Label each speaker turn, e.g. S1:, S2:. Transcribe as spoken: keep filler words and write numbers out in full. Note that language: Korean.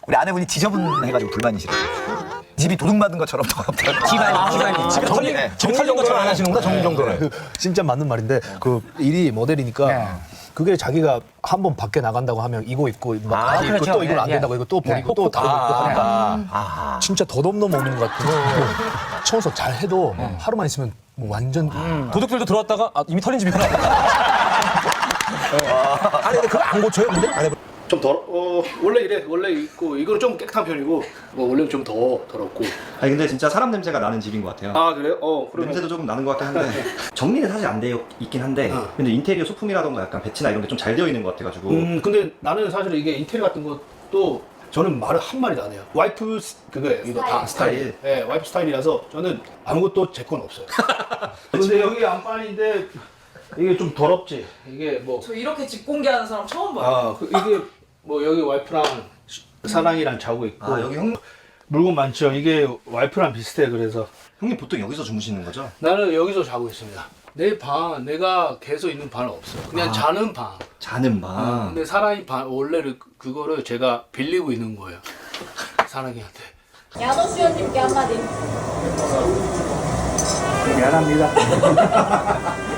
S1: 우리 아내분이 지저분해가지고 불만이시래요. 집이 도둑맞은 것처럼 더럽다고.
S2: 집안이, 집안이.
S1: 집이 털린,
S2: 네.
S1: 집이 털린 것처럼 안 하시는구나, 정리 정도는.
S3: 그 진짜 맞는 말인데 그 일이 모델이니까
S2: 네.
S3: 그게 자기가 한 번 밖에 나간다고 하면 이거 입고 막
S2: 아,
S3: 바지 입고
S2: 그렇죠.
S3: 또 이건 안
S2: 예,
S3: 된다고
S2: 예.
S3: 이거 또 버리고
S2: 네.
S3: 또 다른 거 입고 하니까
S1: 아,
S3: 진짜 덧없는 먹는 것 같은 청소 잘 해도 하루만 있으면 뭐 완전
S4: 도둑들도 들어왔다가 아, 이미 털린 집이구나.
S3: 아니 근데 그거 안 고쳐요 근데? 안 해봐.
S5: 좀 더, 어, 원래 이래. 원래 있고, 이거는 좀 깨끗한 편이고, 뭐, 원래는 좀 더 더럽고.
S6: 아니 근데 진짜 사람 냄새가 나는 집인 것 같아요.
S5: 아, 그래요? 어, 그러면.
S6: 냄새도 조금 나는 것 같긴 한데 정리는 사실 안 되어 있긴 한데
S5: 어.
S6: 근데 인테리어 소품이라던가 약간 배치나 이런 게 좀 잘 되어 있는 것 같아가지고
S5: 음, 근데 나는 사실 이게 인테리어 같은 것도 저는 말을 한마디도 안 해요. 와이프 스- 그거예요. 이거 다 스타일.
S6: 스타일.
S5: 예, 와이프 스타일이라서 저는 아무것도 제 건 없어요. 근데 여기 안방인데 이게 좀 더럽지. 이게 뭐.
S7: 저 이렇게 집 공개하는 사람 처음 봐요.
S5: 아, 그 이게 뭐 여기 와이프랑 사랑이랑 자고 있고.
S6: 아 여기 형,
S5: 물건 많죠. 이게 와이프랑 비슷해. 그래서
S6: 형님 보통 여기서 주무시는 거죠?
S5: 나는 여기서 자고 있습니다. 내 방, 내가 계속 있는 방은 없어요. 그냥 자는 방.
S6: 자는 방.
S5: 근데 사랑이 방, 원래를 그- 그거를 제가 빌리고 있는 거예요. 사랑이한테.
S8: 야노수연님께 한마디.
S5: 미안합니다.